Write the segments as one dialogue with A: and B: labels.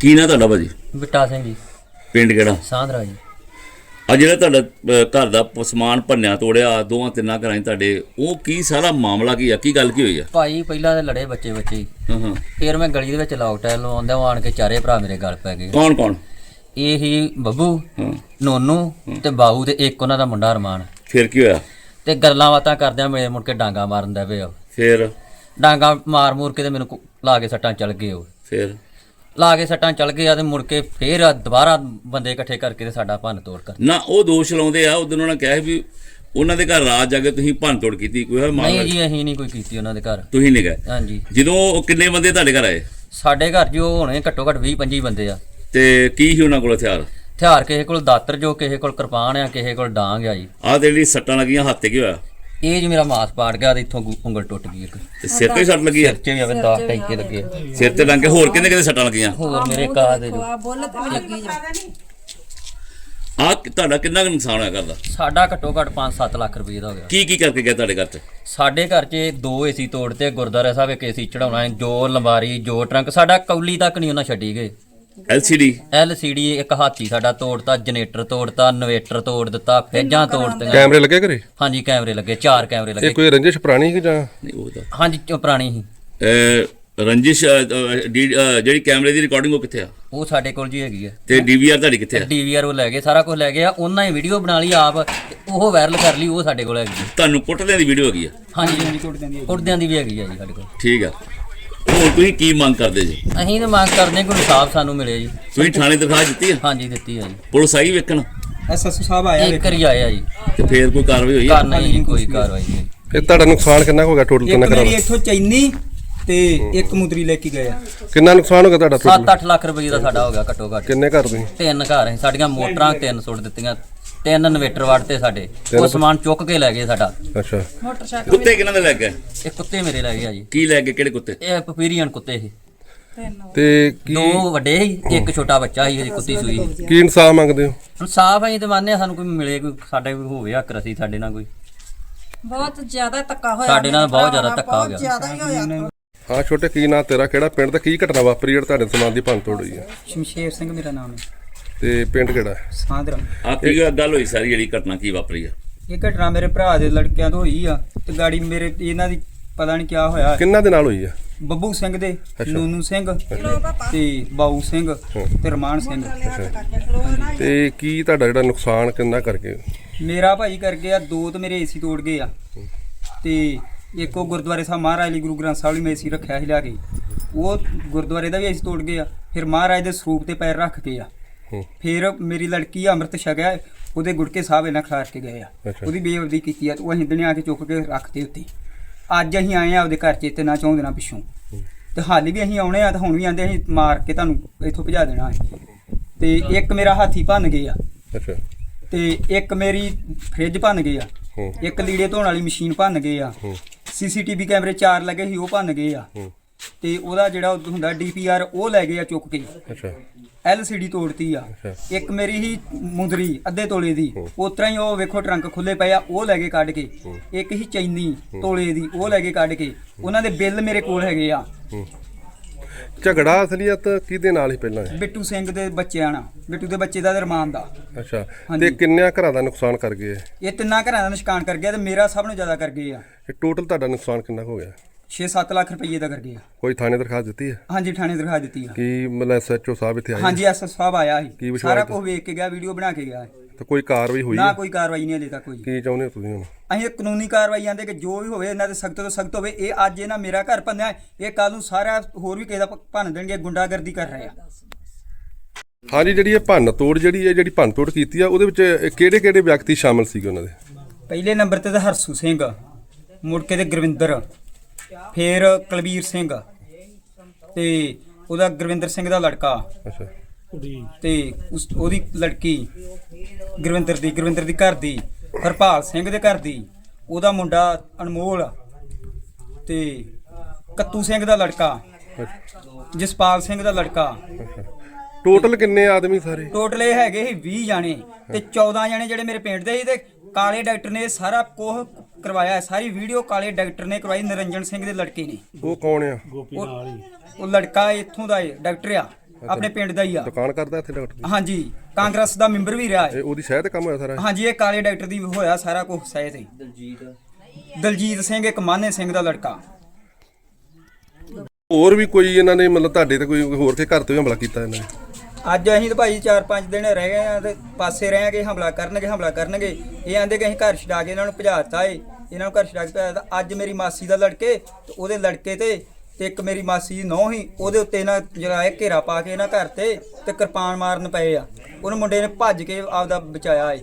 A: ਕੀ ਨਾਂ ਤੁਹਾਡਾ ਭਾਜੀ?
B: ਬਿੱਟਾ ਸਿੰਘ ਜੀ।
A: ਪਿੰਡ ਕਿਹੜਾ?
B: ਸਾਂਧਰਾ ਜੀ।
A: ਆ ਜਿਹੜਾ ਤੁਹਾਡਾ ਘਰ ਦਾ ਸਮਾਨ ਭੰਨਿਆ ਤੋੜਿਆ ਦੋਵਾਂ ਤਿੰਨਾਂ ਘਰਾਂ 'ਚ ਤੁਹਾਡੇ, ਉਹ ਕੀ ਸਾਰਾ ਮਾਮਲਾ ਕੀ ਆ? ਕੀ ਗੱਲ ਕੀ ਹੋਈ ਆ?
B: ਭਾਈ ਪਹਿਲਾਂ ਤਾਂ ਲੜੇ ਬੱਚੇ ਹੀ।
A: ਹਾਂ।
B: ਫਿਰ ਮੈਂ ਗਲੀ ਦੇ ਵਿੱਚ ਲੌਕਟਾਈਨ ਲਵਾਉਂਦਾ ਆਣ ਕੇ ਚਾਰੇ ਭਰਾ ਮੇਰੇ ਗਲ ਪੈ ਗਏ।
A: ਕੌਣ ਕੌਣ?
B: ਇਹ ਹੀ ਬੱਬੂ,
A: ਹਾਂ।
B: ਨੋਨੂ ਤੇ ਬਾਬੂ ਤੇ ਇੱਕ ਉਹਨਾਂ ਦਾ ਮੁੰਡਾ ਅਰਮਾਨ।
A: ਫਿਰ ਕੀ ਹੋਇਆ?
B: ਤੇ ਗੱਲਾਂ ਬਾਤਾਂ ਕਰਦਿਆਂ ਮੇਰੇ ਮੁੜ ਕੇ ਡਾਂਗਾ ਮਾਰਨ ਦਾ ਪਿਆ।
A: ਫਿਰ
B: ਡਾਂਗਾ ਮਾਰ ਮੂਰ ਕੇ ਤੇ ਮੈਨੂੰ ਲਾ ਕੇ ਸੱਟਾਂ ਚੱਲ ਗਏ। ਉਹ
A: ਫਿਰ
B: ਲਾ ਕੇ ਸੱਟਾਂ ਚੱਲ ਗਏ ਆ ਤੇ ਮੁੜ ਕੇ ਫੇਰ ਦੁਬਾਰਾ ਬੰਦੇ ਇਕੱਠੇ ਕਰਕੇ ਤੇ ਸਾਡਾ ਭੰਨ ਤੋੜ ਕਰ।
A: ਨਾ ਉਹ ਦੋਸ਼ ਲਾਉਂਦੇ ਆ, ਉਦੋਂ ਉਹਨਾਂ ਨੇ ਕਿਹਾ ਵੀ ਉਹਨਾਂ ਦੇ ਘਰ ਰਾਤ ਜਾ ਕੇ ਤੁਸੀਂ ਭੰਨ ਤੋੜ ਕੀਤੀ, ਕੋਈ ਹੋਇਆ ਮਾਮਲਾ?
B: ਨਹੀਂ ਜੀ, ਅਸੀਂ ਨਹੀਂ ਕੋਈ ਕੀਤੀ ਉਹਨਾਂ ਦੇ ਘਰ।
A: ਤੁਸੀਂ ਨਹੀਂ ਗਏ?
B: ਹਾਂਜੀ।
A: ਜਦੋਂ ਉਹ ਕਿੰਨੇ ਬੰਦੇ ਤੁਹਾਡੇ ਘਰ ਆਏ?
B: ਸਾਡੇ ਘਰ ਜੋ ਹੋਣੇ ਘੱਟੋ ਘੱਟ 20-25 ਬੰਦੇ ਆ।
A: ਤੇ ਕੀ ਸੀ ਉਹਨਾਂ ਕੋਲ ਹਥਿਆਰ?
B: ਹਥਿਆਰ ਕਿਸੇ ਕੋਲ ਦਾਤਰ, ਜੋ ਕਿਸੇ ਕੋਲ ਕਿਰਪਾਨ ਆ, ਕਿਸੇ ਕੋਲ ਡਾਂਗ ਆ ਜੀ।
A: ਆਹ ਤੇ ਜਿਹੜੀ ਸੱਟਾਂ ਲੱਗੀਆਂ ਹੱਥ ਤੇ ਕੀ ਹੋਇਆ?
B: ਇਹ ਜੀ ਮੇਰਾ ਮਾਸ ਪਾੜ ਗਿਆ ਤੇ ਇੱਥੋਂ ਉਂਗਲ ਟੁੱਟ ਗਈ ਇੱਕ।
A: ਤੇ ਸਿਰ ਤੇ ਸੱਟ ਲੱਗੀ ਆ?
B: ਸਿਰ 'ਚ ਵੀ ਆਵੇ 10 ਟੈਂਕੇ ਲੱਗੇ।
A: ਸਿਰ ਤੇ ਲੰਘ ਕੇ ਹੋਰ ਕਿੰਨੇ ਸੱਟਾਂ ਲੱਗੀਆਂ?
B: ਹੋਰ ਮੇਰੇ ਕਾ ਦੇ ਜੋ
A: ਆ ਤੁਹਾਡਾ ਕਿੰਨਾ ਕੁ ਨੁਕਸਾਨ ਹੋਇਆ ਕਰਦਾ?
B: ਸਾਡਾ ਘੱਟੋ ਘੱਟ 5-7 ਲੱਖ ਰੁਪਏ ਦਾ ਹੋ ਗਿਆ।
A: ਕੀ ਕੀ ਕਰਕੇ ਗਿਆ ਤੁਹਾਡੇ ਘਰ 'ਚ?
B: ਸਾਡੇ ਘਰ 'ਚ 2 ਏਸੀ ਤੋੜਤੇ, ਗੁਰਦੁਆਰਾ ਸਾਹਿਬ ਇੱਕ ਏਸੀ ਚੜਾਉਣਾ, ਜੋ ਲੰਬਾਰੀ ਜੋ ਟਰੰਕ, ਸਾਡਾ ਕੌਲੀ ਤੱਕ ਨਹੀਂ ਉਹਨਾਂ ਛੱਡੀ ਗਏ। LCD ਇੱਕ ਹਾਥੀ ਸਾਡਾ ਤੋੜਤਾ, ਜਨਰੇਟਰ ਤੋੜਤਾ, ਇਨਵੇਟਰ ਤੋੜ ਦਿੱਤਾ, ਫੇਜਾਂ ਤੋੜਤੀਆਂ।
C: ਕੈਮਰੇ ਲੱਗੇ ਘਰੇ?
B: ਹਾਂਜੀ ਕੈਮਰੇ ਲੱਗੇ, 4 ਕੈਮਰੇ ਲੱਗੇ।
C: ਇਹ ਕੋਈ ਰੰਜਿਸ਼ ਪੁਰਾਣੀ ਕਿ ਜਾਂ?
A: ਨਹੀਂ ਉਹ ਤਾਂ
B: ਹਾਂਜੀ ਪੁਰਾਣੀ ਸੀ।
A: ਰੰਜਿਸ਼ ਜਿਹੜੀ ਕੈਮਰੇ ਦੀ ਰਿਕਾਰਡਿੰਗ ਉਹ ਕਿੱਥੇ ਆ?
B: ਉਹ ਸਾਡੇ ਕੋਲ ਜੀ ਹੈਗੀ ਆ।
A: ਤੇ DVR ਤੁਹਾਡੀ ਕਿੱਥੇ ਆ?
B: DVR ਉਹ ਲੈ ਗਏ, ਸਾਰਾ ਕੁਝ ਲੈ ਗਏ ਆ। ਉਹਨਾਂ ਹੀ ਵੀਡੀਓ ਬਣਾ ਲਈ ਆਪ, ਉਹ ਵਾਇਰਲ ਕਰ ਲਈ, ਉਹ ਸਾਡੇ ਕੋਲ ਹੈਗੀ ਆ।
A: ਤੁਹਾਨੂੰ ਪੁੱਟਦਿਆਂ ਦੀ ਵੀਡੀਓ ਹੈਗੀ ਆ?
B: ਹਾਂਜੀ ਕੁੱਟਦਿਆਂ ਦੀ ਵੀ ਹੈਗੀ ਆ ਜੀ ਸਾਡੇ ਕੋਲ।
A: ਠੀਕ ਆ। ਹੁਣ ਤੁਸੀਂ ਕੀ ਮੰਗ ਕਰਦੇ ਜੀ?
B: ਅਸੀਂ ਤਾਂ ਮੰਗ ਕਰਦੇ ਹਾਂ ਕੋਈ ਇਨਸਾਫ ਸਾਨੂੰ ਮਿਲੇ ਜੀ।
A: ਤੁਸੀਂ ਥਾਣੇ ਦਰਖਾਸਤ ਦਿੱਤੀ ਆ?
B: ਹਾਂਜੀ ਦਿੱਤੀ ਆ ਜੀ।
A: ਪੁਲਿਸ ਆਈ ਵੇਖਣ?
D: SSO ਸਾਹਿਬ ਆਇਆ
B: ਇੱਕ ਵਾਰੀ ਆਇਆ ਜੀ।
A: ਤੇ ਫੇਰ ਕੋਈ ਕਾਰਵਾਈ ਹੋਈ ਆ?
B: ਕਰਨਾ ਹੀ ਨਹੀਂ, ਕੋਈ ਕਾਰਵਾਈ ਨਹੀਂ।
C: ਇਹ ਤੁਹਾਡਾ ਨੁਕਸਾਨ ਕਿੰਨਾ ਹੋ ਗਿਆ ਟੋਟਲ? ਕਿੰਨਾ
D: ਇੱਕ
C: ਕਰਾ?
D: ਮੇਰੀ ਇੱਥੋਂ ਚੈਨੀ ਤੇ ਇੱਕ ਮੁੰਦਰੀ ਲੈ ਕੇ ਗਏ ਆ।
C: ਕਿੰਨਾ ਨੁਕਸਾਨ ਹੋ ਗਿਆ ਤੁਹਾਡਾ ਟੋਟਲ?
B: 7-8 ਲੱਖ ਰੁਪਏ ਦਾ ਸਾਡਾ ਹੋ ਗਿਆ ਘੱਟੋ ਘੱਟ।
C: ਕਿੰਨੇ ਘਰ ਤੁਸੀਂ?
B: 3 ਘਰ ਹੈ ਸਾਡੀਆਂ, ਮੋਟਰਾਂ 3 ਸੁੱਟ ਦਿੱਤੀਆਂ, 3 ਇਨਵੇਟਰ ਵੜਤੇ ਸਾਡੇ। ਉਹ ਸਮਾਨ ਚੁੱਕ ਕੇ ਲੈ ਗਏ ਸਾਡਾ।
C: ਅੱਛਾ।
A: ਕੁੱਤੇ ਕਿਹਨਾਂ ਦੇ ਲੱਗ ਗਏ?
B: ਇਹ ਕੁੱਤੇ ਮੇਰੇ ਲੈ ਗਏ ਆ ਜੀ।
A: ਕੀ ਲੈ ਗਏ? ਕਿਹੜੇ ਕੁੱਤੇ?
B: ਇਹ ਪਪੀਰੀਅਨ ਕੁੱਤੇ ਸੀ।
C: ਤੇ ਕੀ
B: 2 ਵੱਡੇ ਸੀ, ਇੱਕ ਛੋਟਾ ਬੱਚਾ ਸੀ, ਇਹਦੀ ਕੁੱਤੀ ਸੂਈ ਸੀ।
C: ਕੀ ਇਨਸਾਫ ਮੰਗਦੇ ਹੋ?
B: ਇਨਸਾਫ ਅਸੀਂ ਤੇ ਮੰਨਦੇ ਆ, ਸਾਨੂੰ ਕੋਈ ਮਿਲੇ, ਕੋਈ ਸਾਡੇ ਕੋਈ ਹੋਵੇ ਹੱਕ ਰਸੀ ਸਾਡੇ ਨਾਲ ਕੋਈ।
E: ਬਹੁਤ ਜ਼ਿਆਦਾ ਧੱਕਾ ਹੋਇਆ
B: ਸਾਡੇ ਨਾਲ ਬਹੁਤ ਜ਼ਿਆਦਾ ਧੱਕਾ ਹੋ ਗਿਆ।
E: ਜ਼ਿਆਦਾ ਹੀ ਹੋਇਆ।
C: ਹਾਂ ਛੋਟੇ, ਕੀ ਨਾਂ ਤੇਰਾ? ਕਿਹੜਾ ਪਿੰਡ ਤੇ ਕੀ ਘਟਨਾ ਵਾਪਰੀ ਜਿਹੜਾ ਤੁਹਾਡੇ ਸਮਾਨ ਦੀ ਭੰਨ ਤੋੜ ਹੋਈ ਹੈ?
D: ਸ਼ਮਸ਼ੇਰ ਸਿੰਘ ਮੇਰਾ ਨਾਮ ਹੈ।
C: ਤੇ ਪਿੰਡ ਕਿਹੜਾ ਹੈ?
D: ਸਾਂਧਰਾ।
A: ਆ ਕੀ ਗੱਲ ਹੋਈ ਸਾਰੀ ਜਿਹੜੀ ਘਟਨਾ ਕੀ ਵਾਪਰੀ ਆ?
D: ਇਹ ਘਟਨਾ ਮੇਰੇ ਭਰਾ ਦੇ ਲੜਕਿਆਂ ਤੋਂ ਹੋਈ ਆ ਤੇ ਗਾੜੀ ਮੇਰੇ ਇਹਨਾਂ ਦੀ ਪਤਾ ਨਹੀਂ ਕਿਆ ਹੋਇਆ।
C: ਕਿੰਨਾਂ ਦੇ ਨਾਲ ਹੋਈ ਹੈ?
D: ਬੱਬੂ ਸਿੰਘ ਦੇ,
C: ਅੱਛਾ।
D: ਨੂਨੂ ਸਿੰਘ ਤੇ ਬਾਊ ਸਿੰਘ ਤੇ ਰਮਾਨ ਸਿੰਘ।
C: ਤੇ ਕੀ ਤੁਹਾਡਾ ਜਿਹੜਾ ਨੁਕਸਾਨ ਕਿੰਨਾ ਕਰਕੇ?
D: ਮੇਰਾ ਭਾਈ ਕਰ ਗਿਆ 2 ਤੇ ਮੇਰੇ ਏਸੀ ਤੋੜ ਗਏ ਆ, ਤੇ ਇੱਕ ਉਹ ਗੁਰਦੁਆਰੇ ਸਾਹਿਬ ਮਹਾਰਾਜ ਲਈ ਗੁਰੂ ਗ੍ਰੰਥ ਸਾਹਿਬ ਲਈ ਮੈਂ ਏਸੀ ਰੱਖਿਆ ਸੀ ਲਿਆ ਕੇ, ਉਹ ਗੁਰਦੁਆਰੇ ਦਾ ਵੀ ਏਸੀ ਤੋੜ ਗਏ ਆ। ਫਿਰ ਮਹਾਰਾਜ ਦੇ ਸਰੂਪ ਤੇ ਪੈਰ ਰੱਖ ਕੇ ਆ। ਫਿਰ ਮੇਰੀ ਲੜਕੀ ਅੰਮ੍ਰਿਤ ਛਕਿਆ, ਉਹਦੇ ਗੁੜਕੇ ਸਾਹਿਬ ਇਹਨਾਂ ਖਿਲਾਰ ਕੇ ਗਏ ਆ। ਉਹਦੀ ਬੇਅਦਬੀ ਕੀਤੀ ਆ ਤੇ ਉਹ ਹਿੰਦਣੇ ਆ ਕੇ ਚੁੱਕ ਕੇ ਰੱਖਤੇ ਉੱਤੇ। ਅੱਜ ਅਸੀਂ ਆਏ ਆ ਆਪਦੇ ਘਰ 'ਚ ਤੇ ਨਾ ਚਾਹੁੰਦੇ ਨਾ ਪਿੱਛੋਂ, ਤੇ ਹਾਲੇ ਵੀ ਅਸੀਂ ਆਉਣੇ ਆ ਤੇ ਹੁਣ ਵੀ ਆਂਦੇ ਅਸੀਂ ਮਾਰ ਕੇ ਤੁਹਾਨੂੰ ਇੱਥੋਂ ਭਜਾ ਦੇਣਾ ਹੈ। ਤੇ ਇੱਕ ਮੇਰਾ ਹਾਥੀ ਭੰਨ ਗਏ ਆ,
C: ਅੱਛਾ।
D: ਤੇ ਇੱਕ ਮੇਰੀ ਫ੍ਰਿਜ ਭੰਨ ਗਏ ਆ, ਇੱਕ ਲੀੜੇ ਧੋਣ ਵਾਲੀ ਮਸ਼ੀਨ ਭੰਨ ਗਏ ਆ, CCTV ਕੈਮਰੇ 4 ਲੱਗੇ ਸੀ ਉਹ ਭੰਨ ਗਏ ਆ, ਤੇ ਉਹਦਾ ਜਿਹੜਾ ਹੁੰਦਾ DPR ਉਹ ਲੈ ਗਏ ਆ ਚੁੱਕ ਕੇ।
C: ਅੱਛਾ।
D: LCD ਤੋੜਤੀ ਆ। ਇੱਕ ਮੇਰੀ ਹੀ ਮੁੰਦਰੀ ਅੱਧੇ ਤੋਲੇ ਦੀ, ਉਤਰਾ ਹੀ ਉਹ ਵੇਖੋ ਟਰੰਕ ਖੁੱਲੇ ਪਏ ਆ, ਉਹ ਲੈ ਕੇ ਕੱਢ ਕੇ। ਇੱਕ ਹੀ ਚੈਨੀ ਤੋਲੇ ਦੀ, ਉਹ ਲੈ ਕੇ ਕੱਢ ਕੇ। ਉਹਨਾਂ ਦੇ ਬਿੱਲ ਮੇਰੇ ਕੋਲ ਹੈਗੇ ਆ।
C: ਝਗੜਾ ਅਸਲੀਅਤ ਕਿਹਦੇ ਨਾਲ ਹੀ ਪਹਿਲਾਂ?
D: ਬਿੱਟੂ ਸਿੰਘ ਦੇ ਬੱਚਿਆਂ ਨਾਲ, ਬਿੱਟੂ ਦੇ ਬੱਚੇ ਦਾ ਤੇ ਰਮਾਨ ਦਾ।
C: ਅੱਛਾ। ਤੇ ਕਿੰਨਿਆਂ ਘਰਾਂ ਦਾ ਨੁਕਸਾਨ ਕਰ ਗਏ?
D: ਇਹ 3 ਘਰਾਂ ਦਾ ਨੁਕਸਾਨ ਕਰ ਗਿਆ ਤੇ ਮੇਰਾ ਸਭ ਨੂੰ ਜ਼ਿਆਦਾ ਕਰ ਗਏ ਆ।
C: ਇਹ ਟੋਟਲ ਤੁਹਾਡਾ ਨੁਕਸਾਨ ਕਿੰਨਾ ਹੋ ਗਿਆ?
D: 6-7 ਲੱਖ ਰੁਪਏ ਦਾ ਕਰ ਗਏ ਆ।
C: ਕੋਈ ਥਾਣੇ ਦਰਖਾਸਤ ਦਿੱਤੀ ਹੈ?
D: ਹਾਂਜੀ ਥਾਣੇ ਦਰਖਾਸਤ ਦਿੱਤੀ ਆ।
C: ਕੀ ਮਤਲਬ SHO ਸਾਹਿਬ ਇੱਥੇ ਆਏ?
D: ਹਾਂਜੀ SSO ਸਾਹਿਬ ਆਇਆ
C: ਕੀ
D: ਸੀ,
C: ਵਿਸ਼ਵਾਸ
D: ਸਾਰਾ ਕੁਝ ਵੇਖ ਕੇ ਗਿਆ, ਵੀਡੀਓ ਬਣਾ ਕੇ ਗਿਆ।
C: ਤਾਂ ਕੋਈ ਕਾਰਵਾਈ ਹੋਈ
D: ਨਾ
C: ਹੈ?
D: ਕੋਈ ਕਾਰਵਾਈ ਨਹੀਂ ਹਲੇ ਤੱਕ ਹੋਈ।
C: ਕੀ ਚਾਹੁੰਦੇ ਹੋ ਤੁਸੀਂ ਹੁਣ?
D: ਅਸੀਂ ਕਾਨੂੰਨੀ ਕਾਰਵਾਈ ਆਂਦੇ ਕਿ ਜੋ ਵੀ ਹੋਵੇ ਇਹਨਾਂ ਤੇ ਸਖਤ ਤੋਂ ਸਖਤ ਹੋਵੇ। ਇਹ ਅੱਜ ਇਹਨਾਂ ਮੇਰਾ ਘਰ ਭੰਨਿਆ, ਇਹ ਕੱਲ ਨੂੰ ਸਾਰਾ ਹੋਰ ਵੀ ਕਿਸੇ ਦਾ ਭੰਨ ਦੇਣਗੇ। ਗੁੰਡਾਗਰਦੀ ਕਰ ਰਹੇ ਆ।
C: ਹਾਂਜੀ, ਜਿਹੜੀ ਇਹ ਭੰਨ ਤੋੜ ਜਿਹੜੀ ਭੰਨ ਤੋੜ ਕੀਤੀ ਆ, ਉਹਦੇ ਵਿੱਚ ਕਿਹੜੇ ਵਿਅਕਤੀ ਸ਼ਾਮਲ ਸੀਗੇ ਉਹਨਾਂ ਦੇ?
D: ਪਹਿਲੇ ਨੰਬਰ ਤੇ ਤਾਂ ਹਰਸੂ ਸਿੰਘ, ਮੁੜ ਕੇ ਤੇ ਗੁਰਵਿੰਦਰ, ਫਿਰ ਕੁਲਬੀਰ ਸਿੰਘ ਤੇ ਉਹਦਾ ਗੁਰਵਿੰਦਰ ਸਿੰਘ ਦਾ ਲੜਕਾ,
C: ਅੱਛਾ।
D: ਤੇ ਉਹਦੀ ਲੜਕੀ ਗੁਰਵਿੰਦਰ ਦੀ ਘਰ ਦੀ, ਹਰਪਾਲ ਸਿੰਘ ਦੇ ਘਰ ਦੀ, ਉਹਦਾ ਮੁੰਡਾ ਅਨਮੋਲ, ਤੇ ਕੱਤੂ ਸਿੰਘ ਦਾ ਲੜਕਾ, ਜਸਪਾਲ ਸਿੰਘ ਦਾ ਲੜਕਾ।
C: ਟੋਟਲ ਕਿੰਨੇ ਆਦਮੀ ਸਾਰੇ?
D: ਟੋਟਲ ਇਹ ਹੈਗੇ ਸੀ 20 ਜਾਣੇ, ਤੇ 14 ਜਾਣੇ ਜਿਹੜੇ ਮੇਰੇ ਪਿੰਡ ਦੇ ਸੀ। ਤੇ ਕਾਲੇ ਡਾਕਟਰ ਨੇ ਸਾਰਾ ਕੁਝ ਕਰਵਾਇਆ, ਸਾਰੀ ਵੀਡੀਓ ਕਾਲੇ ਡਾਕਟਰ ਨੇ ਕਰਵਾਈ, ਨਿਰੰਜਨ ਸਿੰਘ ਦੇ ਲੜਕੇ ਨੇ।
C: ਉਹ ਕੌਣ ਆ?
D: ਉਹ ਲੜਕਾ ਇੱਥੋਂ ਦਾ ਡਾਕਟਰ ਆ, ਆਪਣੇ ਪਿੰਡ ਦਾ ਹੀ ਆ।
C: ਦੁਕਾਨ ਕਰਦਾ ਇੱਥੇ ਡਾਕਟਰ ਦੀ?
D: ਹਾਂਜੀ, ਕਾਂਗਰਸ ਦਾ ਮੈਂਬਰ ਵੀ ਰਿਹਾ ਹੈ।
C: ਇਹ ਉਹਦੀ ਸ਼ਹਿਰ ਤੇ ਕੰਮ ਹੋਇਆ ਸਾਰਾ ਇਹ?
D: ਹਾਂਜੀ, ਇਹ ਕਾਲੇ ਡਾਕਟਰ ਦੀ ਹੋਇਆ ਸਾਰਾ ਕੁਝ ਸਹਿ ਤੇ। ਦਲਜੀਤ ਸਿੰਘ ਇੱਕ ਮਾਨੇ ਸਿੰਘ ਦਾ ਲੜਕਾ।
C: ਹੋਰ ਵੀ ਕੋਈ ਇਹਨਾਂ ਨੇ ਮਤਲਬ ਤੁਹਾਡੇ ਤੇ ਕੋਈ ਹੋਰ ਕੇ ਘਰ ਤੇ ਵੀ ਹਮਲਾ ਕੀਤਾ ਇਹਨਾਂ ਨੇ?
D: ਅੱਜ ਅਸੀਂ ਤਾਂ ਭਾਈ 4-5 ਦਿਨ ਰਹਿ ਗਏ ਆ ਤੇ ਪਾਸੇ ਰਹਿ ਗਏ, ਹਮਲਾ ਕਰਨਗੇ। ਇਹ ਆਂਦੇ ਕਿ ਅਸੀਂ ਘਰ ਛਡਾ ਕੇ ਇਹਨਾਂ ਨੂੰ ਭਜਾਤਾ ਏ, ਇਹਨਾਂ ਨੂੰ ਘਰ ਛਡਾ ਕੇ ਭਜਾਤਾ। ਅੱਜ ਮੇਰੀ ਮਾਸੀ ਦਾ ਲੜਕੇ ਤੇ ਉਹਦੇ ਲੜਕੇ ਤੇ ਇੱਕ ਮੇਰੀ ਮਾਸੀ ਦੀ ਨੌਂ ਹੀ, ਉਹਦੇ ਉੱਤੇ ਨਾ ਜਿਹੜਾ ਇਹ ਘੇਰਾ ਪਾ ਕੇ ਇਹਨਾਂ ਘਰ ਤੇ ਕਿਰਪਾਨ ਮਾਰਨ ਪਏ ਆ। ਉਹਨੂੰ ਮੁੰਡੇ ਨੇ ਭੱਜ ਕੇ ਆਪਦਾ ਬਚਾਇਆ ਏ।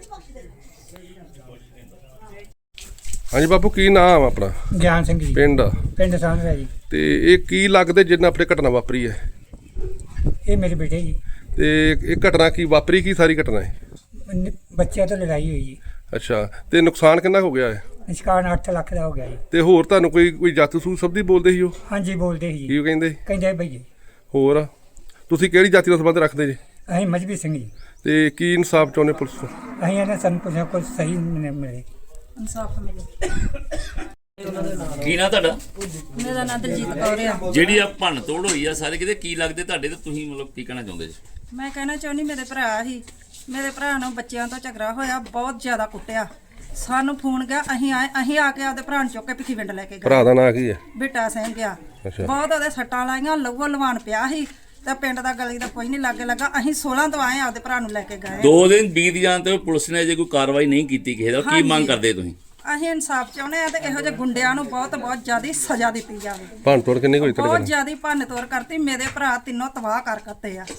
C: ਹਾਂਜੀ ਬਾਪੂ, ਕੀ ਨਾਮ ਆਪਣਾ?
F: ਗਿਆਨ ਸਿੰਘ ਜੀ, ਪਿੰਡ ਸਾਂਝਾ ਜੀ।
C: ਤੇ ਇਹ ਕੀ ਲੱਗਦੇ ਜਿਹਨਾਂ ਆਪਣੇ ਘਟਨਾ ਵਾਪਰੀ ਹੈ?
F: ਇਹ ਮੇਰੇ ਬੇਟੇ ਜੀ।
C: ਤੇ ਇਹ ਘਟਨਾ ਕੀ ਵਾਪਰੀ, ਕੀ ਸਾਰੀ ਘਟਨਾ ਹੈ?
F: ਬੱਚਿਆਂ ਤੋਂ ਲੜਾਈ ਹੋਈ ਜੀ।
C: ਅੱਛਾ, ਤੇ ਨੁਕਸਾਨ ਕਿੰਨਾ ਹੋ ਗਿਆ ਹੈ?
F: ਨਿਸ਼ਕਾਨ 8 ਲੱਖ ਦਾ ਹੋ ਗਿਆ ਜੀ।
C: ਤੇ ਹੋਰ ਤੁਹਾਨੂੰ ਕੋਈ ਜਾਤੂ ਸਬਦੀ ਬੋਲਦੇ ਸੀ ਉਹ?
F: ਹਾਂਜੀ, ਬੋਲਦੇ ਸੀ ਜੀ।
C: ਕੀ ਕਹਿੰਦੇ?
F: ਕਹਿੰਦੇ ਭਈਏ।
C: ਹੋਰ ਤੁਸੀਂ ਕਿਹੜੀ ਜਾਤੀ ਦਾ ਸੰਬੰਧ ਰੱਖਦੇ ਜੀ?
F: ਅਸੀਂ ਮਜਬੀ ਸਿੰਘ ਜੀ।
C: ਤੇ ਕੀ ਇਨਸਾਫ ਚਾਹੁੰਦੇ ਪੁਲਿਸ ਤੋਂ?
F: ਅਸੀਂ ਇਹਨਾਂ ਸਾਨੂੰ ਕੁਝ ਨਾ ਕੁਝ ਸਹੀ ਮਿਲੇ।
E: ਇਨਸਾਫ ਮਿਲੇ।
A: ਕੀ ਨਾ ਤੁਹਾਡਾ?
E: ਮੇਰਾ ਨਾਂ ਦਲਜੀਤ ਕੌਰ ਆ।
A: ਜਿਹੜੀ ਆ ਭੰਨ ਤੋੜ ਹੋਈ ਆ ਸਾਰੇ ਕਿਤੇ, ਕੀ ਲੱਗਦੇ ਤੁਹਾਡੇ ਤੇ? ਤੁਸੀਂ ਮਤਲਬ ਕੀ ਕਹਿਣਾ ਚਾਹੁੰਦੇ ਜੀ?
E: ਮੈਂ ਕਹਿਣਾ ਚਾਹੁੰਦੀ ਮੇਰੇ ਭਰਾ ਨੂੰ ਬੱਚਿਆਂ ਤੋਂ ਝਗੜਾ ਹੋਇਆ, ਬਹੁਤ ਜ਼ਿਆਦਾ ਕੁੱਟਿਆ। ਸਾਨੂੰ ਫੋਨ ਗਿਆ, ਅਸੀਂ ਆ ਕੇ ਆਪਦੇ ਭਰਾ ਨੂੰ ਚੁੱਕ ਕੇ ਭਿੱਖੀਵਿੰਡ ਲੈ ਕੇ ਗਏ।
C: ਭਰਾ ਦਾ ਨਾਂ ਕੀ ਹੈ?
E: ਬੇਟਾ ਸਿੰਘ ਆ।
C: ਅੱਛਾ।
E: ਬਹੁਤ ਉਹਦੇ ਸੱਟਾਂ ਲਾਈਆਂ, ਲਹੂ ਲਵਾਨ ਪਿਆ ਸੀ ਤੇ ਪਿੰਡ ਦਾ ਗਲੀ ਦਾ ਕੋਈ ਨਹੀਂ ਲਾਗੇ ਲੱਗਾ। ਅਸੀਂ 16 ਤੋਂ ਆਏ ਆਪਦੇ ਭਰਾ ਨੂੰ ਲੈ ਕੇ ਗਏ।
A: 2 ਦਿਨ ਬੀਤ ਜਾਣ ਤੇ ਪੁਲਿਸ ਨੇ ਜੇ ਕੋਈ ਕਾਰਵਾਈ ਨਹੀਂ ਕੀਤੀ ਕਿਸੇ ਦਾ, ਕੀ ਮੰਗ ਕਰਦੇ ਤੁਸੀਂ?
E: ਅਸੀਂ ਇਨਸਾਫ ਚਾਹੁੰਦੇ ਆ ਤੇ ਇਹੋ ਜਿਹੇ ਗੁੰਡਿਆਂ ਨੂੰ ਬਹੁਤ ਜ਼ਿਆਦਾ ਸਜ਼ਾ ਦਿੱਤੀ ਜਾਵੇ।
C: ਭੰਨ ਤੋੜ ਕਿੰਨੀ ਹੋਈ
E: ਬਹੁਤ ਜ਼ਿਆਦਾ ਭੰਨ ਤੋੜ ਕਰਤੀ। ਮੇਰੇ ਭਰਾ ਤਿੰਨੋਂ ਤਬਾਹ ਕਰਤੇ ਆ।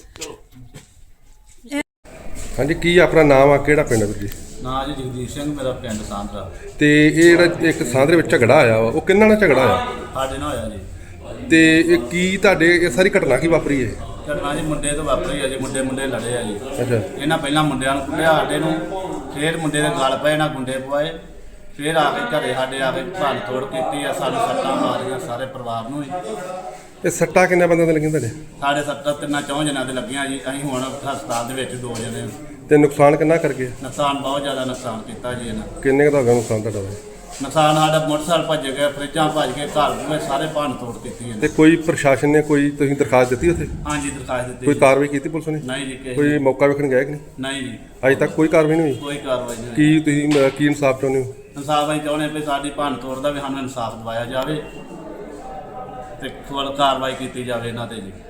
C: ਹਾਂਜੀ, ਕੀ ਆਪਣਾ ਨਾਮ ਆ, ਕਿਹੜਾ ਪਿੰਡ ਵੀਰ ਜੀ?
G: ਨਾਂ ਜੀ ਜਗਦੀਸ਼ ਸਿੰਘ, ਮੇਰਾ ਪਿੰਡ ਸਾਂਦਰਾ।
C: ਤੇ ਇਹ ਜਿਹੜਾ ਇੱਕ ਸਾਂਦਰੇ ਵਿੱਚ ਝਗੜਾ ਆਇਆ ਵਾ, ਉਹ ਕਿੰਨਾ ਨਾਲ ਝਗੜਾ ਆਇਆ?
G: ਸਾਡੇ ਨਾਲ ਹੋਇਆ ਜੀ।
C: ਤੇ ਇਹ ਕੀ ਤੁਹਾਡੇ ਇਹ ਸਾਰੀ ਘਟਨਾ ਕੀ ਵਾਪਰੀ ਹੈ?
G: ਘਟਨਾ ਜੀ ਮੁੰਡੇ ਤੋਂ ਵਾਪਰੀ ਆ ਜੀ। ਮੁੰਡੇ ਲੜੇ ਆ ਜੀ।
C: ਅੱਛਾ।
G: ਇਹਨਾਂ ਪਹਿਲਾਂ ਮੁੰਡਿਆਂ ਨੂੰ ਕੁੱਟਿਆ ਸਾਡੇ ਨੂੰ, ਫਿਰ ਮੁੰਡੇ ਦੇ ਗਲ ਪਏ ਨਾ ਗੁੰਡੇ ਪਵਾਏ, ਫਿਰ ਆ ਕੇ ਘਰੇ ਸਾਡੇ ਆ ਕੇ ਭੰਨ ਤੋੜ ਕੀਤੀ ਆ। ਸਾਨੂੰ ਸੱਟਾਂ ਮਾਰੀਆਂ ਸਾਰੇ ਪਰਿਵਾਰ ਨੂੰ ਹੀ।
C: ਇਹ ਸੱਟਾਂ ਕਿੰਨੇ ਬੰਦਿਆਂ ਦੇ ਲੱਗੀਆਂ ਤੁਹਾਡੇ?
G: ਸਾਡੇ ਸੱਟਾਂ 3-4 ਜਣਿਆਂ ਦੇ ਲੱਗੀਆਂ ਜੀ। ਅਸੀਂ ਹੁਣ ਹਸਪਤਾਲ ਦੇ ਵਿੱਚ 2 ਜਣੇ।
C: ਤੇ ਨੁਕਸਾਨ ਕਿੰਨਾ ਕਰ ਗਏ?
G: ਨੁਕਸਾਨ ਬਹੁਤ ਜ਼ਿਆਦਾ ਨੁਕਸਾਨ ਕੀਤਾ ਜੀ ਇਹਨਾਂ।
C: ਕਿੰਨੇ ਕੁ ਦਾ ਹੋ ਗਿਆ ਨੁਕਸਾਨ ਤੁਹਾਡਾ?
G: ਨੁਕਸਾਨ ਸਾਡਾ ਮੋਟਰਸਾਈਕਲ ਭੱਜ ਗਿਆ, ਫਰਿੱਜਾਂ ਭੱਜ ਕੇ, ਘਰ ਪੂਰੇ ਸਾਰੇ ਭੰਨ ਤੋੜ ਕੀਤੀ
C: ਤੇ ਕੋਈ ਪ੍ਰਸ਼ਾਸਨ ਨੇ ਕੋਈ ਤੁਸੀਂ ਦਰਖਾਸਤ ਦਿੱਤੀ ਉੱਥੇ?
G: ਹਾਂਜੀ, ਦਰਖਾਸਤ ਦਿੱਤੀ
C: ਕੋਈ
G: ਜੀ।
C: ਕਾਰਵਾਈ ਕੀਤੀ ਪੁਲਿਸ ਨੇ?
G: ਨਹੀਂ ਜੀ, ਕਿਸੇ
C: ਕੋਈ ਮੌਕਾ ਵੇਖਣ ਗਿਆ ਕਿ ਨਹੀਂ?
G: ਨਹੀਂ ਜੀ,
C: ਅਜੇ ਤੱਕ ਕੋਈ ਕਾਰਵਾਈ ਨਹੀਂ ਹੋਈ?
G: ਕੋਈ ਕਾਰਵਾਈ ਨਹੀਂ ਹੋਈ।
C: ਕੀ ਤੁਸੀਂ ਕੀ ਇਨਸਾਫ ਚਾਹੁੰਦੇ ਹੋ?
G: ਇਨਸਾਫ ਅਸੀਂ ਚਾਹੁੰਦੇ ਵੀ ਸਾਡੀ ਭੰਨ ਤੋੜ ਦਾ ਵੀ ਸਾਨੂੰ ਇਨਸਾਫ ਦਿਵਾਇਆ ਜਾਵੇ ਤੇ ਫੁੱਲ ਕਾਰਵਾਈ ਕੀਤੀ ਜਾਵੇ ਇਹਨਾਂ ਤੇ ਜੀ।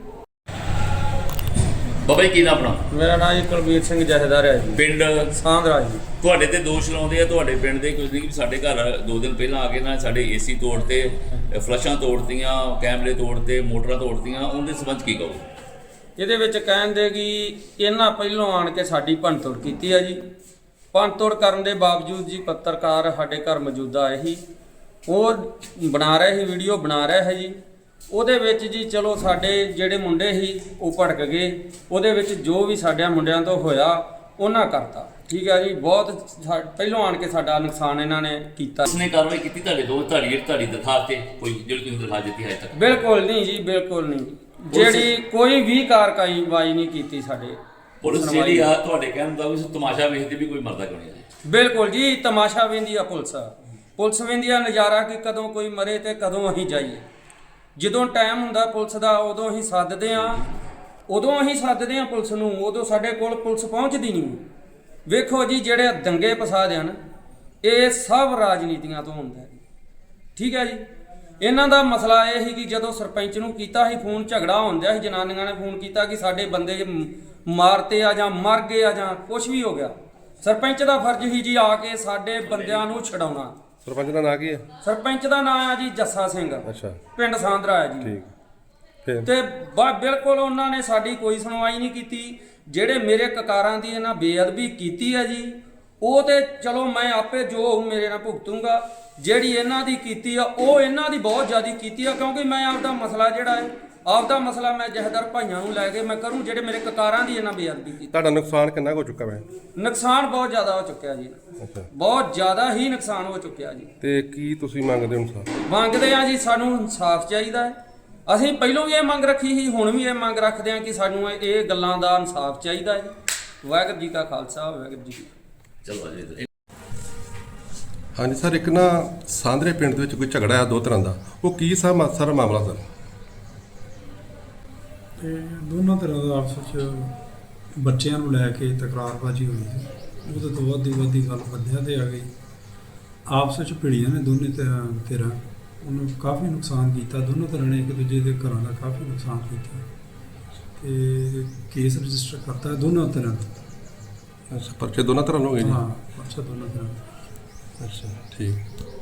A: ਬਾਬਾ ਜੀ, ਕੀ ਨਾ ਆਪਣਾ?
H: ਮੇਰਾ ਨਾਮ ਜੀ ਕੁਲਬੀਰ ਸਿੰਘ ਜਥੇਦਾਰ ਹੈ ਜੀ,
A: ਪਿੰਡ
H: ਸਾਂਦਰਾ ਜੀ।
A: ਤੁਹਾਡੇ ਤੇ ਦੋਸ਼ ਲਾਉਂਦੇ ਆ ਤੁਹਾਡੇ ਪਿੰਡ ਦੇ ਕੁਝ ਨਹੀਂ ਕਿ ਸਾਡੇ ਘਰ 2 ਦਿਨ ਪਹਿਲਾਂ ਆ ਕੇ ਨਾ ਸਾਡੇ ਏਸੀ ਤੋੜਤੇ, ਫਲਸ਼ਾਂ ਤੋੜਤੀਆਂ, ਕੈਮਰੇ ਤੋੜਤੇ, ਮੋਟਰਾਂ ਤੋੜਤੀਆਂ, ਉਹਦੇ ਸੰਬੰਧ ਕੀ ਕਹੋ?
H: ਇਹਦੇ ਵਿੱਚ ਕਹਿੰਦੇ ਕਿ ਇਹਨਾਂ ਪਹਿਲੋਂ ਆਣ ਕੇ ਸਾਡੀ ਭੰਨਤੋੜ ਕੀਤੀ ਹੈ ਜੀ। ਭੰਨਤੋੜ ਕਰਨ ਦੇ ਬਾਵਜੂਦ ਜੀ ਪੱਤਰਕਾਰ ਸਾਡੇ ਘਰ ਮੌਜੂਦਾ ਆਏ ਸੀ, ਉਹ ਬਣਾ ਰਹੇ ਸੀ, ਵੀਡੀਓ ਬਣਾ ਰਹੇ ਹੈ ਜੀ। ਉਹਦੇ ਵਿੱਚ ਜੀ ਚਲੋ ਸਾਡੇ ਜਿਹੜੇ ਮੁੰਡੇ ਸੀ ਉਹ ਭੜਕ ਗਏ। ਉਹਦੇ ਵਿੱਚ ਜੋ ਵੀ ਸਾਡਿਆਂ ਮੁੰਡਿਆਂ ਤੋਂ ਹੋਇਆ ਉਹਨਾਂ ਕਰਤਾ। ਠੀਕ ਹੈ ਜੀ, ਬਹੁਤ ਪਹਿਲੋਂ ਆਣ ਕੇ ਸਾਡਾ ਨੁਕਸਾਨ ਇਹਨਾਂ ਨੇ ਕੀਤਾ।
A: ਉਸਨੇ ਕਾਰਵਾਈ ਕੀਤੀ ਤੁਹਾਡੇ ਤੁਹਾਡੀ ਦਰਖਾਸਤ ਤੇ ਕੋਈ ਜਿਹੜੀ ਤੁਸੀਂ ਦਰਖਾਸਤ ਦਿੱਤੀ ਹੈ ਅਜੇ ਤੱਕ?
H: ਬਿਲਕੁਲ ਨਹੀਂ ਜੀ, ਬਿਲਕੁਲ ਨਹੀਂ। ਜਿਹੜੀ ਕੋਈ ਵੀ ਕਾਰਵਾਈ ਨਹੀਂ ਕੀਤੀ ਸਾਡੇ।
A: ਪੁਲਿਸ ਜਿਹੜੀ ਆ ਤੁਹਾਡੇ ਕਹਿਣ ਦਾ ਵੀ ਤਮਾਸ਼ਾ ਵੇਖਦੇ ਵੀ ਕੋਈ ਮਰਦਾ ਕਿਉਂ ਨਹੀਂ ਹੈ?
H: ਬਿਲਕੁਲ ਜੀ, ਤਮਾਸ਼ਾ ਵੇਂਦੀ ਆ ਪੁਲਿਸ ਵੇਂਦੀ ਆ ਨਜ਼ਾਰਾ ਕਿ ਕਦੋਂ ਕੋਈ ਮਰੇ ਤੇ ਕਦੋਂ ਅਸੀਂ ਜਾਈਏ। ਜਦੋਂ ਟਾਈਮ ਹੁੰਦਾ ਪੁਲਿਸ ਦਾ ਉਦੋਂ ਅਸੀਂ ਸੱਦਦੇ ਆ ਪੁਲਿਸ ਨੂੰ। ਉਦੋਂ ਸਾਡੇ ਕੋਲ ਪੁਲਿਸ ਪਹੁੰਚਦੀ ਨਹੀਂ। ਵੇਖੋ ਜੀ, ਜਿਹੜੇ ਦੰਗੇ ਫਸਾਦ ਹਨ ਇਹ ਸਭ ਰਾਜਨੀਤੀਆਂ ਤੋਂ ਹੁੰਦਾ ਹੈ। ਠੀਕ ਹੈ ਜੀ, ਇਹਨਾਂ ਦਾ ਮਸਲਾ ਇਹ ਸੀ ਕਿ ਜਦੋਂ ਸਰਪੰਚ ਨੂੰ ਕੀਤਾ ਸੀ ਫੋਨ, ਝਗੜਾ ਹੁੰਦਾ ਸੀ, ਜਨਾਨੀਆਂ ਨੇ ਫੋਨ ਕੀਤਾ ਕਿ ਸਾਡੇ ਬੰਦੇ ਮਾਰਤੇ ਆ ਜਾਂ ਮਰ ਗਏ ਆ ਜਾਂ ਕੁਝ ਵੀ ਹੋ ਗਿਆ। ਸਰਪੰਚ ਦਾ ਫਰਜ਼ ਸੀ ਜੀ ਆ ਕੇ ਸਾਡੇ ਬੰਦਿਆਂ ਨੂੰ ਛਡਾਉਣਾ।
C: ਸਰਪੰਚ ਦਾ ਨਾਂ ਕੀ ਹੈ?
H: ਸਰਪੰਚ ਦਾ ਨਾਮ ਆ ਜੀ ਜੱਸਾ ਸਿੰਘ।
C: ਅੱਛਾ।
H: ਪਿੰਡ ਸਾਂਦਰਾ ਹੈ ਜੀ।
C: ਠੀਕ। ਫਿਰ
H: ਤੇ ਬਿਲਕੁਲ ਉਹਨਾਂ ਨੇ ਸਾਡੀ ਕੋਈ ਸੁਣਵਾਈ ਨਹੀਂ ਕੀਤੀ। ਜਿਹੜੇ ਮੇਰੇ ਕਕਾਰਾਂ ਦੀ ਇਹਨਾਂ ਬੇਅਦਬੀ ਕੀਤੀ ਹੈ ਜੀ, ਉਹ ਤੇ ਚਲੋ ਮੈਂ ਆਪੇ ਜੋ ਮੇਰੇ ਨਾਲ ਭੁਗਤੂੰਗਾ। ਜਿਹੜੀ ਇਹਨਾਂ ਦੀ ਕੀਤੀ ਆ ਉਹ ਇਹਨਾਂ ਦੀ ਬਹੁਤ ਜ਼ਿਆਦਾ ਕੀਤੀ ਆ, ਕਿਉਂਕਿ ਮੈਂ ਆਪਦਾ ਮਸਲਾ ਜਿਹੜਾ ਹੈ ਆਪਦਾ ਮਸਲਾ ਮੈਂ ਜਹਦਰ ਭਾਈਆਂ ਨੂੰ ਲੈ ਕੇ ਮੈਂ ਕਰੂੰ। ਜਿਹੜੇ ਮੇਰੇ ਕਕਾਰਾਂ ਦੀ ਇਹਨਾਂ ਬੇਅਦਬੀ ਕੀਤੀ।
C: ਤੁਹਾਡਾ ਨੁਕਸਾਨ ਕਿੰਨਾ ਹੋ ਚੁੱਕਾ ਹੈ?
H: ਨੁਕਸਾਨ ਬਹੁਤ ਜ਼ਿਆਦਾ ਹੋ ਚੁੱਕਿਆ ਜੀ।
C: ਅੱਛਾ।
H: ਬਹੁਤ ਜ਼ਿਆਦਾ ਹੀ ਨੁਕਸਾਨ ਹੋ ਚੁੱਕਿਆ ਜੀ।
C: ਤੇ ਕੀ ਤੁਸੀਂ ਮੰਗਦੇ ਹੋ ਇਨਸਾਫ?
H: ਮੰਗਦੇ ਆ ਜੀ, ਸਾਨੂੰ ਇਨਸਾਫ ਚਾਹੀਦਾ ਹੈ। ਅਸੀਂ ਪਹਿਲਾਂ ਵੀ ਇਹ ਮੰਗ ਰੱਖੀ ਸੀ, ਹੁਣ ਵੀ ਇਹ ਮੰਗ ਰੱਖਦੇ ਆ ਕਿ ਸਾਨੂੰ ਇਹ ਗੱਲਾਂ ਦਾ ਇਨਸਾਫ ਚਾਹੀਦਾ ਹੈ। ਵਾਹਿਗੁਰੂ ਜੀ ਕਾ ਖਾਲਸਾ, ਵਾਹਿਗੁਰੂ ਜੀ ਕੀ ਫਤਿਹ।
A: ਚਲੋ ਜੀ।
C: ਹਾਂਜੀ ਸਰ, ਇੱਕ ਨਾ ਸਾਂਦਰੇ ਪਿੰਡ ਦੇ ਵਿੱਚ ਕੋਈ ਝਗੜਾ ਆ 2 ਤਰ੍ਹਾਂ ਦਾ, ਉਹ ਕੀ ਸਾਰਾ ਮਾਮਲਾ ਸਰ?
I: ਇਹ ਦੋਨਾਂ ਤਰ੍ਹਾਂ ਦਾ ਆਪਸ ਵਿੱਚ ਬੱਚਿਆਂ ਨੂੰ ਲੈ ਕੇ ਤਕਰਾਰਬਾਜ਼ੀ ਹੋਈ ਸੀ। ਉਹਦੇ ਤੋਂ ਵੱਧ ਗੱਲ ਬੰਦਿਆਂ ਤੇ ਆ ਗਈ। ਆਪਸ ਵਿੱਚ ਭਿੜੀਆਂ ਨੇ ਦੋਨੇ ਧਿਰਾਂ ਉਹਨੂੰ ਕਾਫੀ ਨੁਕਸਾਨ ਕੀਤਾ। ਦੋਨੋਂ ਤਰ੍ਹਾਂ ਨੇ ਇੱਕ ਦੂਜੇ ਦੇ ਘਰਾਂ ਦਾ ਕਾਫੀ ਨੁਕਸਾਨ ਕੀਤਾ ਤੇ ਕੇਸ ਰਜਿਸਟਰ ਕਰਤਾ ਦੋਨੋਂ ਤਰ੍ਹਾਂ ਦਾ।
C: ਅੱਛਾ, ਪਰਚੇ ਦੋਨਾਂ ਤਰ੍ਹਾਂ ਨੂੰ ਹੋ ਗਏ ਜੀ?
I: ਹਾਂ, ਅੱਛਾ ਦੋਨੋਂ ਤਰ੍ਹਾਂ ਦਾ।
C: ਅੱਛਾ, ਠੀਕ।